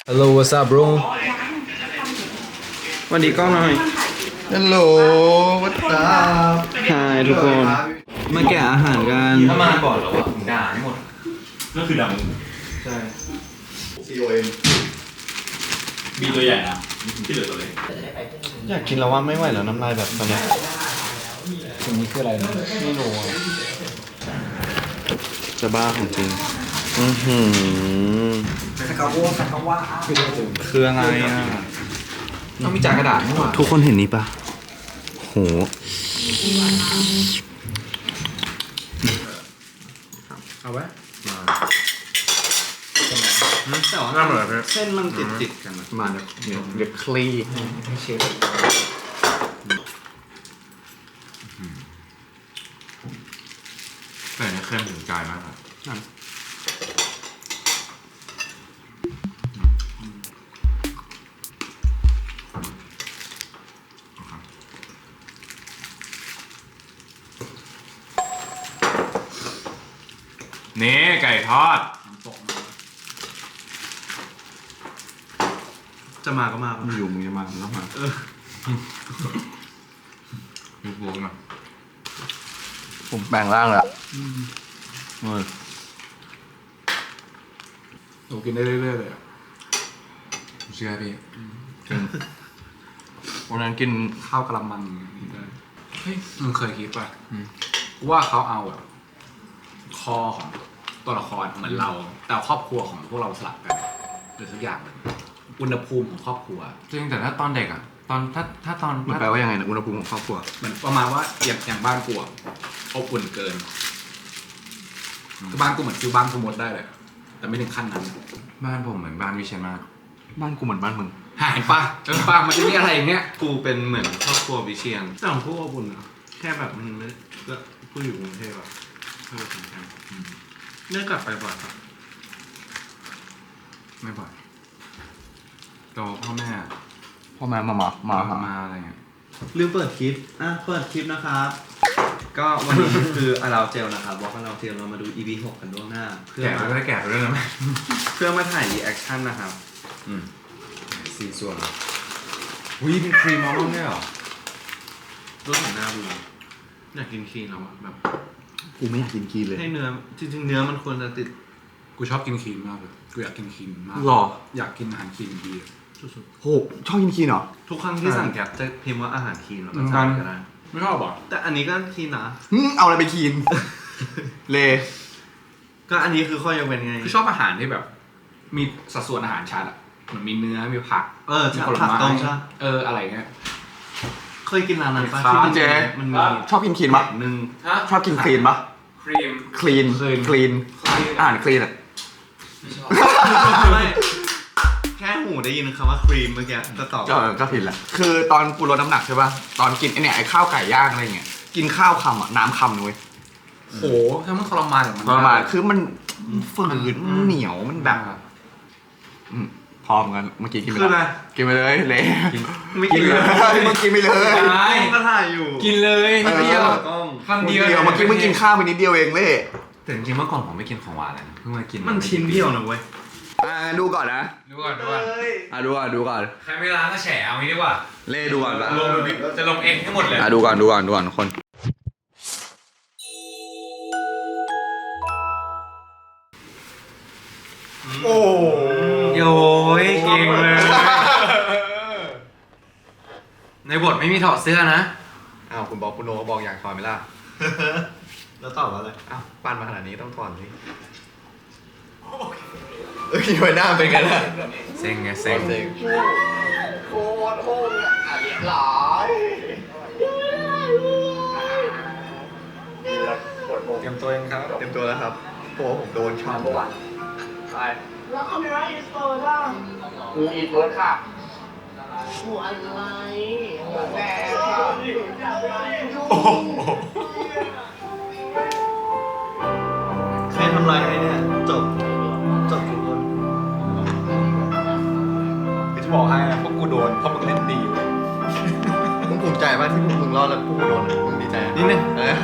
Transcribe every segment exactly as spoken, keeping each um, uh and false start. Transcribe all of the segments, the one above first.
Hello what's up bro สวัสดีกล้องหน่อยฮัลโหลวัดตาฮายทุกคน มาแกะอาหารกันถ้ามาก่อนแล้วอ่ะผมด่าให้หมดก็คือดำใช่ซี โอ เอ็มมีตัวใหญ่นะที่เหลือตัวเล็กอยากกินแล้วว่าไม่ไหวแล้วน้ำลายแบบตอนนี้ตรงนี้คืออะไรนะไม่รู้อะจะบ้าของจริงอือหือคืออะไรอ่ะต้องมีจานกระดาษให้หมดทุกคนเห็นนี้ปะโหเอาไว้แต่ว่าเส้นมันติดติดกันมาเดี๋ยวเดี๋ยวเดี๋ยวคลี่ให้เชฟแต่เนี่ยเค็มถึงใจมากครับนี่ไก่ทอดจะมาก็มาอยู่มึงจะมาก็มามีพวงอ่ะผมแบ่งร่างแล้วเออหนูกินได้เรื่อยๆเลยอ่ะเชื่อพี่วันนั้นกินข้าวกะละมังได้เฮ้ยมึงเคยคิดป่ะว่าเขาเอาแบบคอของตัวละครเหมือนเรา แต่ครอบครัวของพวกเราสลับกันหรือสักอย่างหนึ่งอุณหภูมิของครอบครัวจริงแต่ถ้าตอนเด็กอ่ะตอนถ้าถ้าตอนมันแปลว่ายังไงนะอุณหภูมิของครอบครัวเหมือนประมาณว่าอย่างอย่างบ้านกูอะอบอุ่นเกินคือบ้านกูเหมือนฟิวบ้านกูหมดได้เลยแต่ไม่ถึงขั้นนั้นบ้านผมเหมือนบ้านวิเชียรมากบ้านกูเหมือนบ้านมึงหายปะเออปะมันจะมีอะไรอย่างเงี้ยกูเป็นเหมือนครอบครัววิเชียนแต่ของพวกอบอุ่นอะแค่แบบมันไม่ก็กูอยู่กรุงเทพอะเออสำคัญเนื่อกลับไปบ่อยครับไม่บ่อยตัวพ่อแม่พ่อแม่มามามามามามาอะไรเงี้ยลืมเปิดคลิป อ่ะ เปิดคลิปนะครับ ก็วันนี้ คืออาราเจลนะครับบอกอาราเจลเรามาดู อี พี หกกันล่วงหน้า เพื่อแก่ไปมาด้วยแก่ไปด้วยนะแม่เพื่อมาถ่ายรีแอคชั่นนะครับอืมสี่ส่วนอุ้ยเป็นครีมมอลล์เนี่ยเหรอรู้สึกหน้าบูอยากกินคลีนแล้วอะแบบกูไม่อยากกินคีนเลยให้เนื้อ จริงๆ เนื้อมันควรจะติดกูชอบกินครีมมากเลยกูอยากกินครีมมากหรออยากกินอาหารครีมดีสุดโหชอบกินคีนเหรอๆทุกครั้งที่สั่งแก๊ปจะพิมพ์ว่าอาหารคลีนแล้วก็อืมสั่งก็ได้ไม่ชอบหรอแต่อันนี้ก็คลีนนะหึเอาอะไรไปคีน เลก็อันนี้คือข้อยกเว้นไงคือชอบอาหารที่แบบ มีสัดส่วนอาหารชัดอ่ะเหมือนมีเนื้อมีผักเออมีผัผกลไม้ต้มใช่เอออะไรเงี้ยเคยกินร้านนั้นปะครับที่มันเจ๊มันมีชอบกินคีนปะหนึ่งชอบกินคลีนปะครีมคลีน Clean คลีนอาหารคลีนอะไม่แค่หูได้ยินคำว่าครีมเมื่อกี้ก็ตอบก็ก็ผิดแหละคือตอนกูลดน้ำหนักใช่ปะตอนกินไอเนี่ยไอข้าวไก่ย่างอะไรเงี้ยกินข้าวคำอะน้ำคำนุ้ยโหถ้ามันทรมานอย่างมันทรมานคือมันฝืนมันเหนียวมันแบบอืมพร้อมกันเมื่อกี้กินไปคืออะไรแล้วกินไปเลยเละไม่กิกินนเลเลย ยมึงกินไปเลยใช่ก็ถ่ายอยู่กินเลยนิดเดียวกล้องคำเดียวเมื่อกี้มึงกินข้าวไปนิดเดียวเองเละแต่จริงๆเมื่อก่อนผมไม่กินของหวานเลยนะเพิ่งมากินมันชิ้นเดียวนะเว้ยอ่าดูก่อนนะดูก่อนดูก่อนอ่าดูก่อนดูก่อนใครไม่ล้างก็แฉเอางี้ดีกว่าเล่ดูก่อนปะลงจะลงเองให้หมดเลยอ่าดูก่อนดูก่อนดูก่อนทุกคนโอ้โยยเก่งเลยในบทไม่มีถอดเสื้อนะอ้าวคุณบอกคุณโนบอกอยากถอนไหมล่ะแล้วตอบว่าอะไรอ้าวปั้นมาขนาดนี้ต้องถอนสิเอ้ยไว้หน้าเป็นไงล่ะเซ็งไงเซ็งโคตรโหดหลายเตรียมตัวเองครับเต็มตัวแล้วครับเพราะว่าผมโดนช่องแล้วคาเมราอินสเตอร์ล่ะกูอีเพิร์ดค่ะหัวอะไรหัวแดงค่ะใครทำลายให้เนี่ย จบ จบทุกคนจะบอกให้นะพวกกูโดนเพราะมึงเล่นดีเว้ยมึงภูมิใจป่ะที่พวกมึงรอดแล้วพวกกูโดนมึงดีใจอะนิดนึงเออ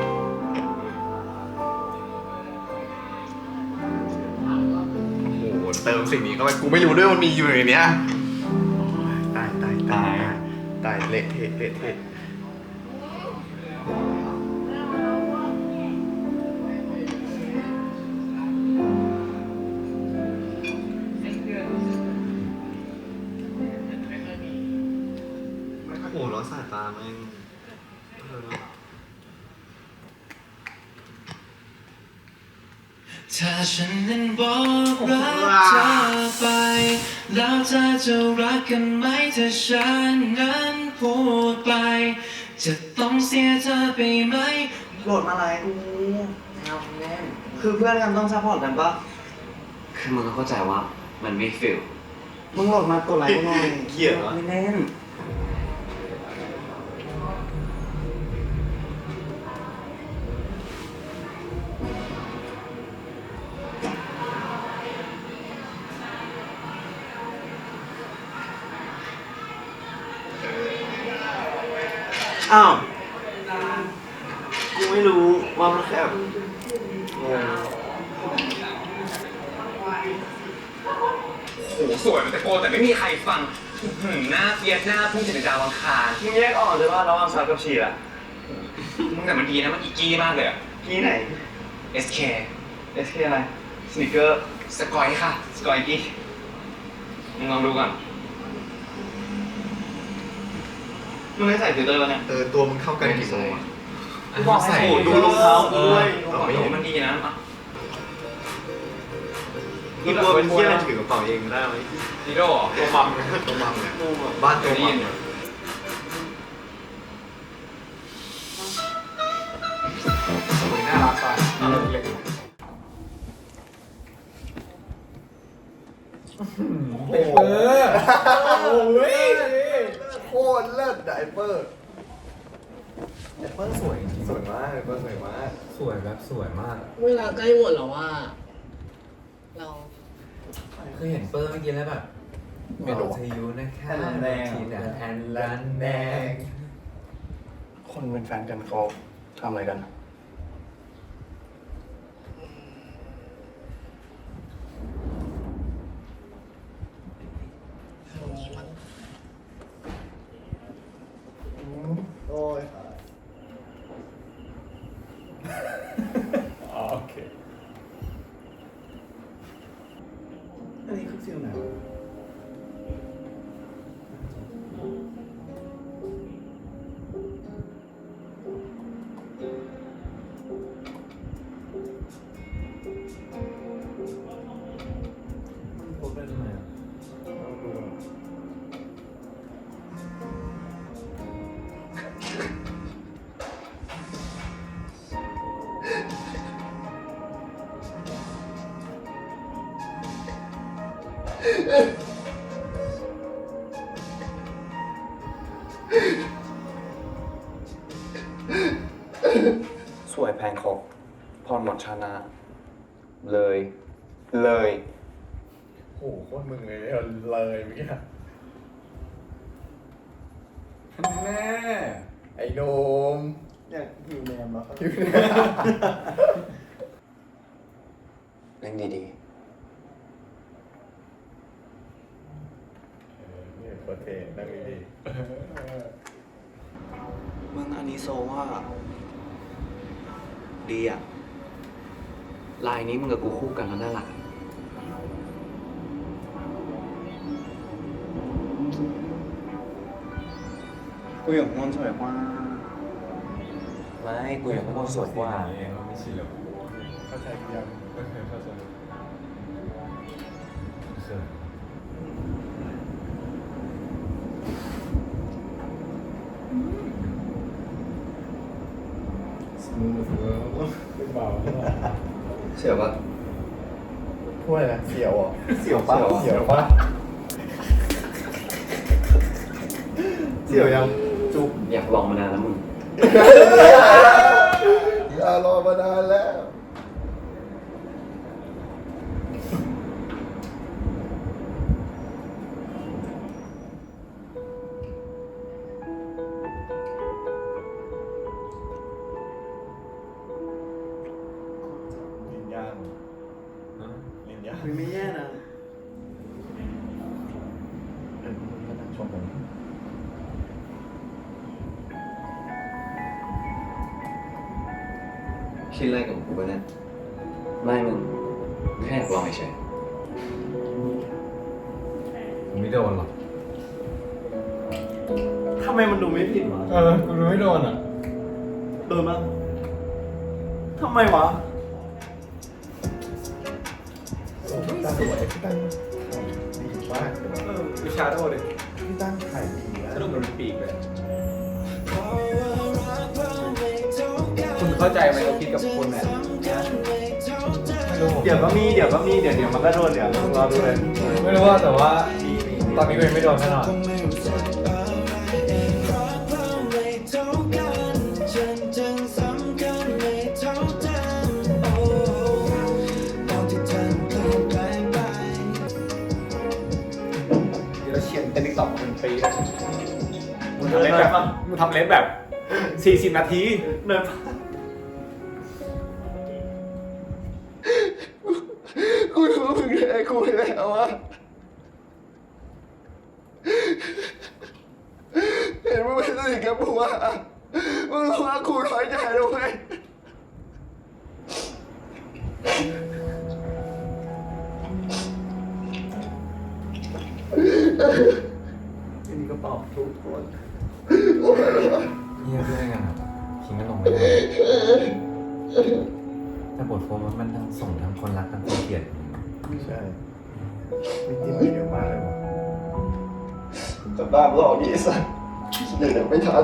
โอ้โหเติมสิ่งนี้เข้าไปกูไม่รู้ด้วยมันมีอยู่ในเนี้ยตายตายตายตายเละเทะเละเทะโอ้โหแล้วสายตาแม่งถ้าฉันนั้นบอกรักเธอไปแล้วเธอจะรักกันไหมถ้าฉันนั้นพูดไปจะต้องเสียเธอไปไหมโหลดมาอะไรกูเอาแน่นคือเพื่อนกันต้องซัพพอร์ตกันปะคือมึงก็เข้าใจว่ามันไม่ฟิลมึงโหลดมากดไลค์กูหน่อยเกลียดวะไม่เล่นอ้าวกูไม่รู้ว่ามันแค่แบบงงโหสวยมันตะโกนแต่ไม่มีใครฟังอื้อหือหน้าเฟียสหน้าพุ่งจากดาวอังคารมึงแยกออกเลยว่าระหว่างซับกับชีอะมึงแต่มันดีนะมันอีกี้มากเลยอะกี้ไหนเอส เคเอส เค อะไรสนิเกอร์สกอยค่ะสกอยกี้มึงลองดูก่อนมึงไม่ใส่ฟิลเตอร์ป่ะเนี่ยเออตัวมึงเข้ากันกี่โมงอะกูบอกให้ใส่ใส่ดูรองเท้ากูด้วยเออไม่เห็นมันดีนะอ่ะนี่ตัวเป็นเที่ยอะไรถือกระเป๋าเองได้ไหมดีโดเหรอตัวมัมเนี่ยตัวมัมเนี่ยบ้านตัวมัมเนี่ยน่ารักป่ะเล็กเปอร์โอ้ยโคตรเลิศไดเปอร์ไดเปอร์สวยจริงสวยมากไดเปอร์สวยมากสวยแบบสวยมากเวลาใกล้หมดแล้วว่า เราคือเห็นเปอร์เมื่อกี้แล้วแบบไม่รู้เธออยู่นะคะทีน่ะแอนลันแดงคนเป็นแฟนกันเขาทำอะไรกันโอ้ยโอเคอันนี้คือฟิลไหนวะมันโพสเป็นยังไงอ่ะลองดูอ่ะสวยแพงคกพรหมดชานาเลย เลยโหโคตรมึงเลยเลยเมื่อกี้แม่ไอ้โดมอยากหิวแนมแล้วครับหิวแนมเล่นดีนี่โคตรเท่นั่งดีๆมึงอันนี้โซว่า ดีอ่ะลายนี้มึงกับกูคู่กันแล้วน่ารักกูอยากนอนสวยกว่าไม่กูอยากให้มึงสวยกว่าไม่ใช่หรอเข้าใจยังไม่เคยเข้าใจเขินสมูทเวิร์กเป็นเบาเชื่อปะถ้วยนะเสียวอ่ะเสียวปะเสียวปะเสียวยังจุ๊บอยากลองมานานแล้วมึงอย่ารอมานานแล้ว ลิ้นย่างลิ้นย่างไม่แย่นะคิดอะไรกับกูวะเนี่ยไม่มึงแค่อยากลองเฉยผมไม่โดนหรอกทำไมมันดูไม่ผิดวะเออกูรู้ไม่โดนอ่ะโดนมั้งทำไมวะสวยพี่ตั้งดีมากเลยเออวิชาโดดิพี่ตั้งถ่ายดีนะสนุกเหมือนปีกเลย คุณเข้าใจไหมเราคิดกับคุณเนี่ยไม่รู้เดี๋ยวก็มีเดี๋ยวก็มีเดี๋ยวเดี๋ยวมันก็โดนเดี๋ยวรอดูเลยไม่รู้ว่าแต่ว่าตอนนี้กูยังไม่โดนแน่นอน เดี๋ยวเชียนเต้นติ๊กต็อกเป็นปีเลยมึงทำเล่นแบบมึงทำเล่นแบบสี่สิบนาทีเนินกูรู้มึงเลยกูแล้วอะเห็นมึงไม่สนิทกับกูอะมึงรู้ว่ากูน้อยใจแล้วเว้ยอันนี้ก็เป่าทุกคนโอ้ยเยี่ยมด้วยกันครับทิ้งกันลงไม่ได้แต่บทโฟมมันทั้งส่งทั้งคนรักทั้งคนเกลียดใช่มีกินไปเยอะมากเลยวะแต่บ้าหลอกยี่สัสเดี๋ยวไม่ทัน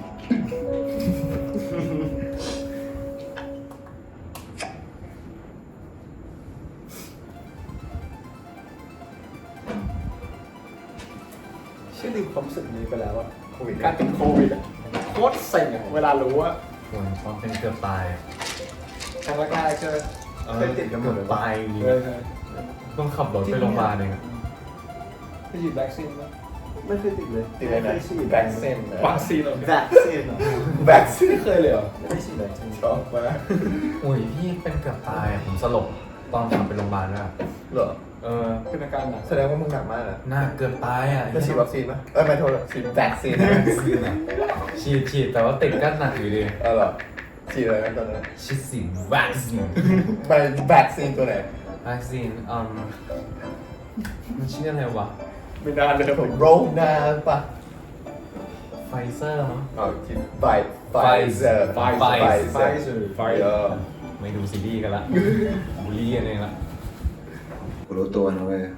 เชื่อลืมความรู้สึกนี้ไปแล้วอะโควิดการเป็นโควิดอะโคตรเซ็งอะเวลารู้ว่าคนตอนเป็นเกือบตายครั้งแรกๆเจอเคยติดกันหมดเลยตายเออต้องขับรถไปโรงพยาบาลเองไปฉีดวัคซีนไหมไม่เคยติดเลยติดอะไรนะแบ็กเซนวัคซีนเหรอแบ็กเซนแบ็กเซนไม่เคยเลยเหรอไม่ได้ฉีดเลยชอบมากโอ้ยพี่เป็นเกือบตายอะผมสลบตอนขับไปโรงพยาบาลด้วยอะเหรอเออเป็นอาการหนักแสดงว่ามึงหนักมากนะหน้าเกือบตายอ่ะจะฉีดวัคซีนไหมเออไม่โทษฉีดแบ็กซีนฉีดฉีดแต่ว่าติดก็หนักอยู่ดีเออเหรอฉีดอะไรนะตอนนั้นฉีดสิวัคซีนไปแบ็กซีนตัวไหนวัคซีนอืมมันชื่ออะไรวะไม่นานเลยผมโรนาปะไฟเซอร์มั้งอ๋อฉีดไฟไฟเซอร์ไฟไฟไฟเซอร์เซอร์ไฟเออไม่ดูซีรีส์กันละบูลลี่กันเองละกูรู้ตัวนะเว้ย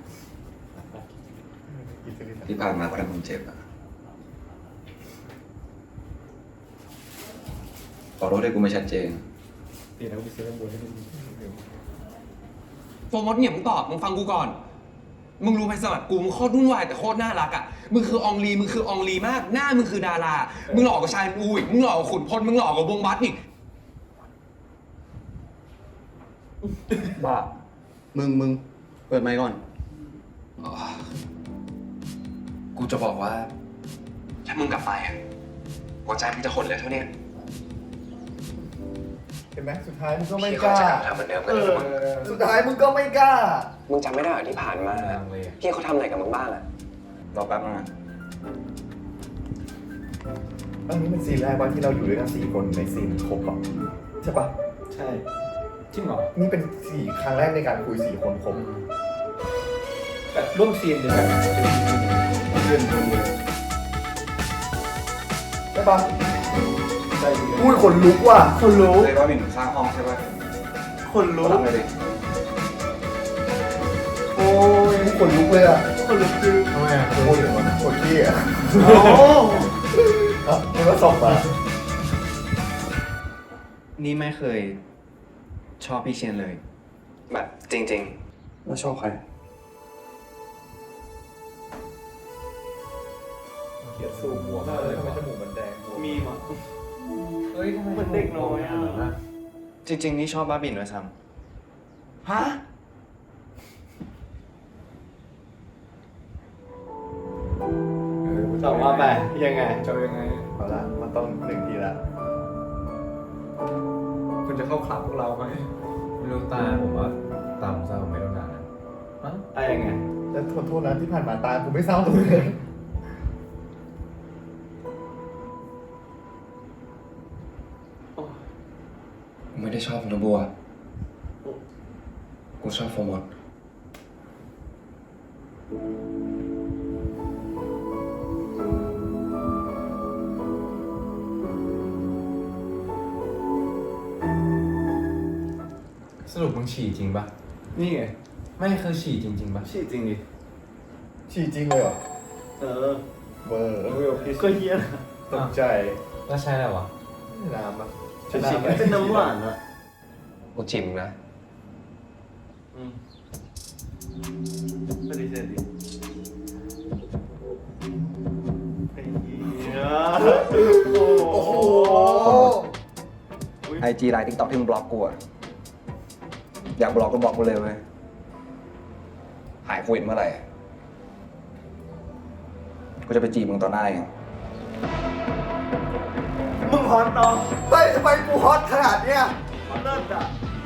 ที่ผ่านมาเพราะทำมึงเจ็บอะขอโทษที่กูไม่ชัดเจนตีนะกูไปซื้อน้ำบัวให้มึงโฟมดเนี่ยมึงตอบมึงฟังกูก่อน มึงรู้ไหมสมัครกูมึงโคตรวุ่นวายแต่โคตรน่ารักอ่ะ มึงคืออองลีมึงคืออองลีมาก หน้ามึงคือดารา มึงหล่อกว่าชายอูอีก มึงหล่อกว่าขุนพล มึงหล่อกว่าวงบัสอีกบ้ามึงมึงเปิดไมค์ก่อนอ๋อกูจะบอกว่าถ้ามึงกลับไปอ่ะหัวใจมึงจะหดเลยเท่าเนี้ยเห็นไหมสุดท้ายมึงก็ไม่พี่กเขาล้าจะทำเหมือนเดิมกัเอนเลยอมึงสุดท้ายมึงก็ไม่กล้ามึงจำไม่ได้เหรอที่ผ่านมาลังเลยอะพี่เขาทำอะไรกับมึงบ้างอ่ะรอแป๊บนึงนะอันนี้เป็นซีนแรกว่าที่เราอยู่ด้วยกันสี่คนในซีนครบอ่ะใช่ปะใช่จริงเหรอนี่เป็นสี่ครั้งแรกในการคุยสี่คนครบแบบร่วมซีนเดียวกันเพื่อนคนเดียวใช่ปะใช่ดีอุ้ยขนลุกว่ะคนลุกเลยว่ามีหนุ่มสร้างห้องใช่ป่ะคนลุกทำเลยดิโอ้ยขนลุกเลยอ่ะคนลุกคือทำไมอ่ะโคตรโคตรขี้อ่ะโอ้อ่ะมันก็สอบมานี่ไม่เคยชอบพี่เชียนเลยแบบจริงว่าชอบใครเขียนสูงหัวมากเลยทำไมจมูกมันแดงมีมั้งเฮ้ยทำไมมันเด็กน้อยอ่ะจริง ๆ นี่ชอบบ้าบินด้วยซ้ฮะตอบมาไปยังไงจะยังไงเอาละมันต้องหนึ่งทีละคุณจะเข้าคลับพวกเราไหมไม่รู้ตาผมว่าตาผมเศร้าผมไม่ต้องการนะมั้งอะไรยังไงแล้วขอโทษนะที่ผ่านมาตาผมไม่เศร้าเลยำไม่ได้ชอบนะบัว กูชอบโฟมดสรุปมึงฉี่จริงปะนี่ไงไม่คือฉี่จริงๆปะฉี่จริงดิฉี่จริงเลยเหรอ เออเบอร์เวลพิสก็เฮี้ยนะตกใจแล้วใช่แล้ววะน้ำปะฉี่เป็นน้ำหวานอะกูจิมนะปฏิเสธดิโอ้โหไอจีไลน์ติ๊กต็อกที่มึงบล็อกกูอะอยากบล็อกก็บล็อกกูเลยเว้ย หายโควิดเมื่อไหร่ กูจะไปจีบมึงต่อหน้าเองมึงฮอตเนาะเฮ้ยทำไมกูฮอตขนาดเนี้ยเลิศอ่ะ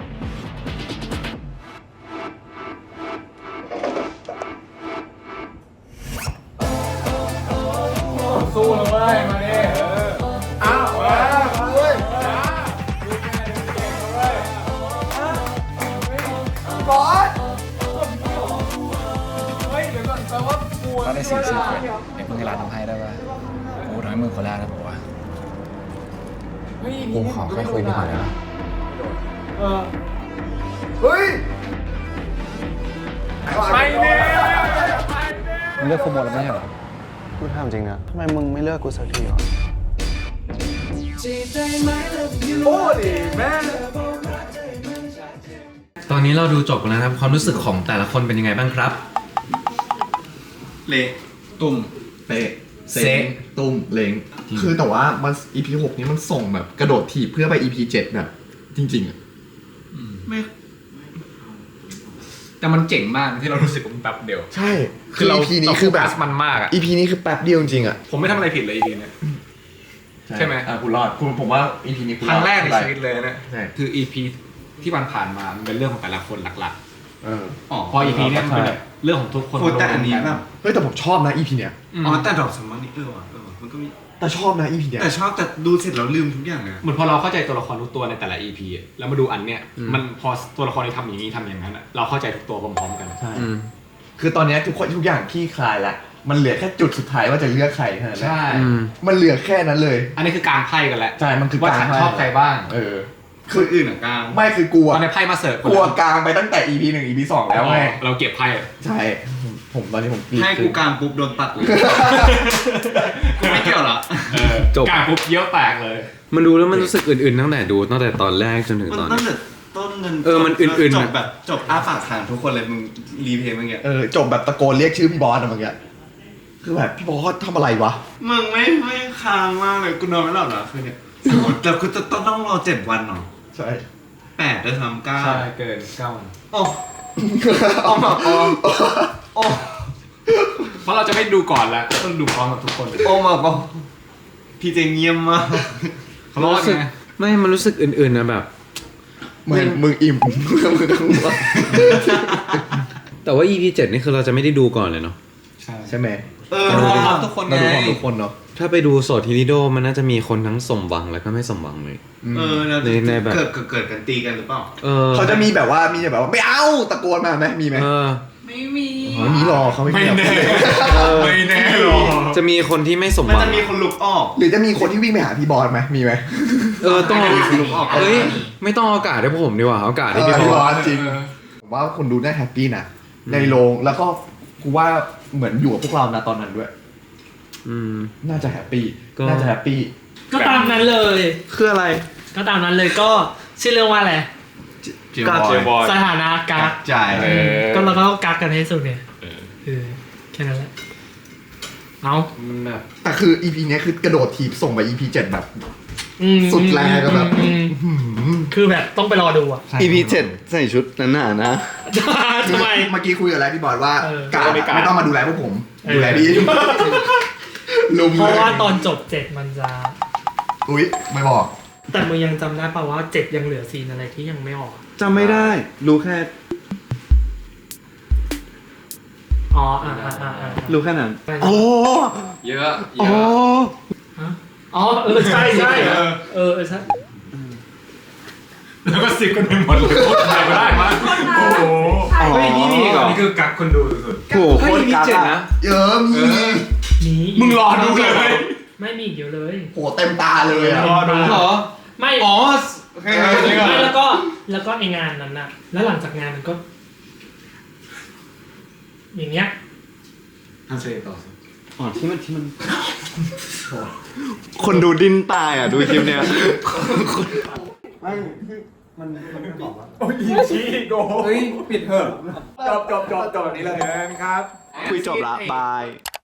สู้เลยเว้ยมาดิเอออ้าวมาเฮ้ยบอสเฮ้ยเดี๋ยวก่อนแปลว่ากูถ้าได้สิ่งสิ่งเดี๋ยวมึงให้ร้านทำให้ได้ป่ะกูทำให้มึงคนแรกนะบอกว่าเฮ้ยกูขอแค่คุยนิดหน่อยนะเออเฮ้ยไปเนี่ยมึงเลือกโฟมดแล้วไม่ใช่เหรอ กูถามจริงนะทำไมมึงไม่เลือกกูสักทีวะโอ้ดิแม่ตอนนี้เราดูจบแล้วนะครับความรู้สึกของแต่ละคนเป็นยังไงบ้างครับเละตุ่มเปะเซะตุ้มเล้งคือแต่ว่ามัน อี พี หกนี้มันส่งแบบกระโดดถีบเพื่อไป อี พี เจ็ดแบบจริงๆอ่ะไม่แต่มันเจ๋งมากที่เรารู้สึกว่ามันแป๊บเดียวใช่คืออี พีนี้คือแบบมันมากอ่ะอี พีนี้คือแป๊บเดียวจริงๆอ่ะผมไม่ทำอะไรผิดเลย อี พี เนี่ย ใช่ไหมอ่ะกูรอดกูผมว่า อี พี นี้กูครั้งแรกในได้ชีวิตเลยนะใช่คือ อี พี ที่มันผ่านมามันเป็นเรื่องของแต่ละคนหลักเออๆอ๋อพอ อี พี เนี่ยมันเป็นแบบเรื่องของทุกคนโคตรแต่อันนี้แบบเฮ้ยแต่ผมชอบนะ อี พี เนี้ยอ๋อแต่ดอกสมมันนี่เออว่ะเออว่ะมันก็มีแต่ชอบนะ อี พี เนี้ยแต่ชอบแต่ดูเสร็จแล้วลืมทุกอย่างเลยเหมือนพอเราเข้าใจตัวละครทุกตัวในแต่ละ อี พี อะแล้วมาดูอันเนี้ยมันพอตัวละครที่ทำอย่างนี้ทำอย่างนั้นอะเราเข้าใจทุกตัวพร้อมๆกันใช่คือตอนเนี้ยทุกคนทุกอย่างที่คลายละมันเหลือแค่จุดสุดท้ายว่าจะเลือกใครเท่านั้นแหละใช่มันเหลือแค่นั้นเลยอันนี้คือการไพ่กันแล้วใช่มันคือว่าการฉันไพ่ชอบใครบ้างเออคนอื่นอ่ะกลางไม่คือกลัวตอนนี้ไพ่มาเสิร์ฟกลัวกลางไปตั้งแต่ อี พี หนึ่ง อี พี สองแล้วไงเราเก็บไพ่อะใช่ ผมผมตอนนี้ผมกรีดให้กูกลางปุ๊บโดนตัดเลย กูไม่เกี่ยวละจบการปุ๊บเยี่ยวแตกเลยมันดูแล้วมันรู้สึกอื่นๆตั้งแต่ดูตั้งแต่ตอนแรกจนถึงมันตอนตั้งนี้แต่ต้นเงินเออมันอื่นๆจอะบแบบจบอ้าปากค้างทุกคนเลยมึงรีเพลย์เมื่อกี้เออจบแบบตะโกนเรียกชื่อพี่บอสอะเมื่อกี้คือแบบพี่บอสทำอะไรวะมึงไม่ไม่ค้างมากเลยกูนอนไม่หลับเหรอคืนเนี้ยแต่กูจะต้องต้องรอเจ็ดวันเนาะใช่แปดด้วยซ้ำเก้าใช่เกินเก้าวันโอ้โอ้มาโอ้โอ้เพราะเราจะไม่ดูก่อนแล้วต้องดูพร้อมกับทุกคนโอ้มาโอ้พี่เจเงียบมากเขารอดไงไม่มันรู้สึกอื่นๆนะแบบเหมือนมึงอิ่มมึงทั้งวันแต่ว่า อี พี เจ็ดนี่คือเราจะไม่ได้ดูก่อนเลยเนาะใช่ใช่ไหมเออดูพร้อมทุกคนเราไงดูความทุกคนเนาะถ้าไปดูโสดทีนิโดมันน่าจะมีคนทั้งสมหวังแล้วก็ไม่สมหวังเลยเออแล้วในในแบบเกิดเกิดเกิดกันตีกันหรือเปล่าเออเขาจะมีแบบว่ามีแบบว่าไม่เอาตะโกนมาไหมมีไหมเออไม่มีอ๋อมีหรอเขาไม่ไม่มีหรอกแน่เออไม่แน่หรอกจะมีคนที่ไม่สมหมันวังจะมีคนลุกออกหรือจะมีคนที่วิ่งไปหาพี่บอสไหมมีไหมเออต้องเอามีคนลุกออกเอ้ยไม่ต้องเอาอากาศให้ผมดีกว่าเอาอากาศให้เอพี่อพี่บบ ออสสจริงผมว่าคนดูน่าแฮปปี้นะในโรงแล้วก็กูว่าเหมือนอยู่กับพวกเรานะตอนนั้นด้วยอืมน่าจะแฮปปี้ก็น่าจะแฮปปี้ก็ตามนั้นเลยคืออะไรก็ตามนั้นเลยก็ชื่อเรื่องว่าอะไรเจียบอยบอยสถานะกักจ่ายเออก็เราก็ต้องกักกันให้สุดเนี่ยเออแค่นั้นแหละเอามันแบบแต่คือ อี พี เนี้ยคือกระโดดถีบส่งไป อี พี เจ็ดแบบอืมสุดแรงอะแบบอืมอืมคือแบบต้องไปรอดูอ่ะอี พี เจ็ดใส่ชุดนั้นหนานะทำไมเมื่อกี้คุยกับอะไรพี่บอสว่าเออการอะไม่ต้องมาดูแลพวกผมเออดูแลพี่ลุมเพราะเลยว่าตอนจบเจ็ดมันจะอุ้ยไม่บอกแต่มึงยังจำได้ป่าวว่าเจ็ดยังเหลือซีนอะไรที่ยังไม่ออกจำไม่ได้ รู้แค่อ๋ออ่าอ่าอ่าอ่ารู้แค่นั้นโอ้เยอะเยโอ้อะฮะอ๋อเออใช่ใช่เออเออใช่แล้วก็ซิกกันไปหมดเลยพูดอะไรก็ได้มาโอ้โหเฮ้ยนี่มีอีกเหรอนี่คือกักคนดูสุดโอ้โหโคตรกักอะเยอะมีมีมึงรอดูเลยไม่มีอีกเยอะเลยโหเต็มตาเลยอะรอดูเหรอไม่อ๋อไม่แล้วก็แล้วก็ไองานนั้นน่ะ แล้วหลังจากงานมันก็ อย่างเงี้ยอันเซต่อสิอ๋อที่มันที่มันคนดูดิ้นตายอ่ะ ดูคลิปเนี้ยไม่มันมันไม่บอกว่าโอ้ยชี้โกเฮ้ย ปิดเถอะจบจบจบจบแบบนี้เลยครับคุยจบละบาย